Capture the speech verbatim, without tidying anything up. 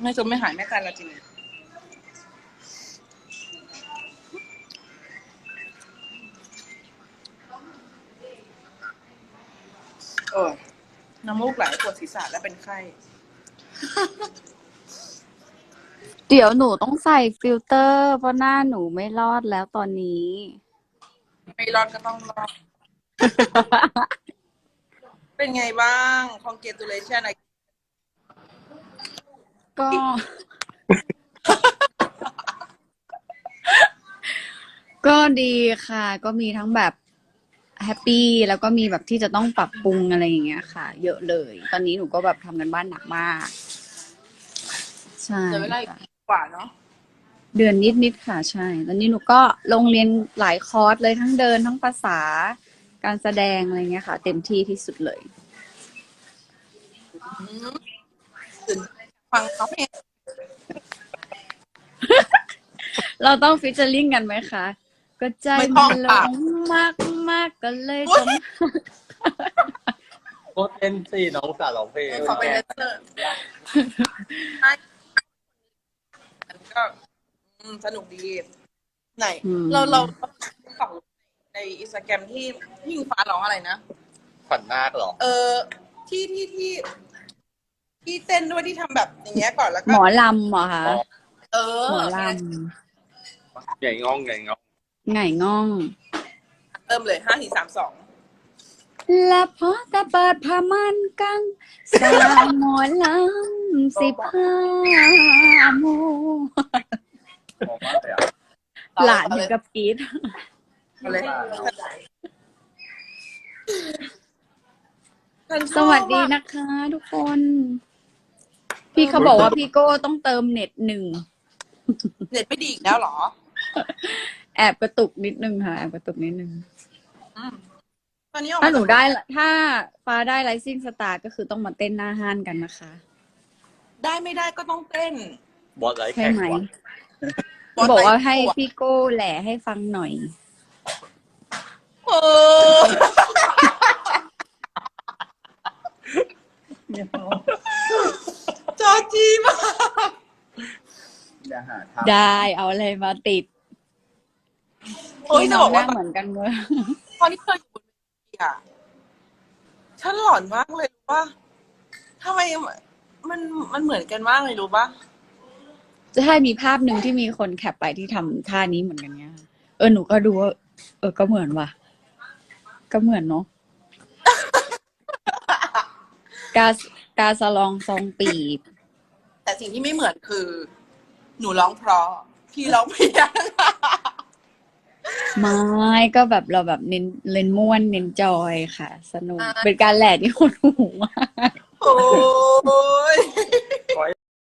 ไม่จนไม่หายไม่ตายละจริงเออน้ำมูกไหลปวดศีรษะและเป็นไข้เดี๋ยวหนูต้องใส่ฟิลเตอร์เพราะหน้าหนูไม่รอดแล้วตอนนี้ไม่รอดก็ต้องรอด เป็นไงบ้าง congratulation ก็ ก็ดีค่ะ ก็มีทั้งแบบแฮปปี้แล้วก็มีแบบที่จะต้องปรับปรุงอะไรอย่างเงี้ยค่ะ เยอะเลย ตอนนี้หนูก็แบบทำกันบ้านหนักมาก ใช่เหลือเวลาอีกกว่าเนาะเดือนนิดๆค่ะ ใช่ ตอนนี้หนูก็ลงเรียนหลายคอร์สเลยทั้งเดินทั้งภาษาการแสดงอะไรเงี้ยค่ะ เต็มที่ที่สุดเลยตื่นฟังเขาเพลงเราต้องฟิชเชอร์ลิงกันไหมคะ ก็ใจมันหลงมากมากก็เลยต้องก็เต้นสิน้องสาวร้องเพลงเขาเป็นแดนเซอร์ใช่มันก็อืมสนุกดี ไหนอืมเราเราฝั่งในอินสตาแกรมที่ที่อิงฟ้าร้องอะไรนะขวัญนาคเหรอเออ ที่ที่ที่ที่เต้นด้วยที่ทำแบบอย่างเงี้ยก่อนแล้วก็หมอลำเหรอคะเออหมอลใหญ่ง่องใหญ่ง่องำไง่ง่องเริ่มเลยห้าสี่สามสองและพอแต่เปิดผ้ามันกังสาวหมอลำสิบห้าโมงมองมากเลยอ่ะหลานถึงกับกรีดเอาเลยสวัสดีนะคะทุกคน พี่เขาบอกว่าพี่โก้ต้องเติมเน็ตหนึ่งเน็ตไม่ดีอีกแล้วเหรอแอบกระตุกนิดนึงค่ะ แอบกระตุกนิดนึงอืมตอนนี้ออกถ้ามาหนูได้ ถ้าฟ้าได้ไลซิ่งสตาร์ก็คือต้องมาเต้นหน้าห้านกันนะคะได้ไม่ได้ก็ต้องเต้นบอสไลท์ใช่แข่งไหมว่ะบอกว่าให้พี่โก้แหล่ให้ฟังหน่อยเออจอจีมากอย่าหาทำได้เอาอะไรมาติดโอ้ยจะบอกว่าหน้เหมือนกันเลยตอนที่เธออยู่บนเวทีอ่ะฉันหลอนมากเลยรู้ป่ะทำไมมันมันเหมือนกันมากเลยรู้ป่ะจะให้มีภาพหนึ่งที่มีคนแคปไปที่ทำท่านี้เหมือนกันเนี่ยเออหนูก็ดูว่าเออก็เหมือนว่ะ ก็เหมือนเนาะ กากาสลองซองปีบแต่สิ่งที่ไม่เหมือนคือ หนูร้องเพราะพี่ร้องเพี้ยนไม่ก็แบบเราแบบเน้นเล่นม่วนเน้นจอยค่ะ สนุกอ่าเป็นการแหล่ที่คนหูมากโอ้ย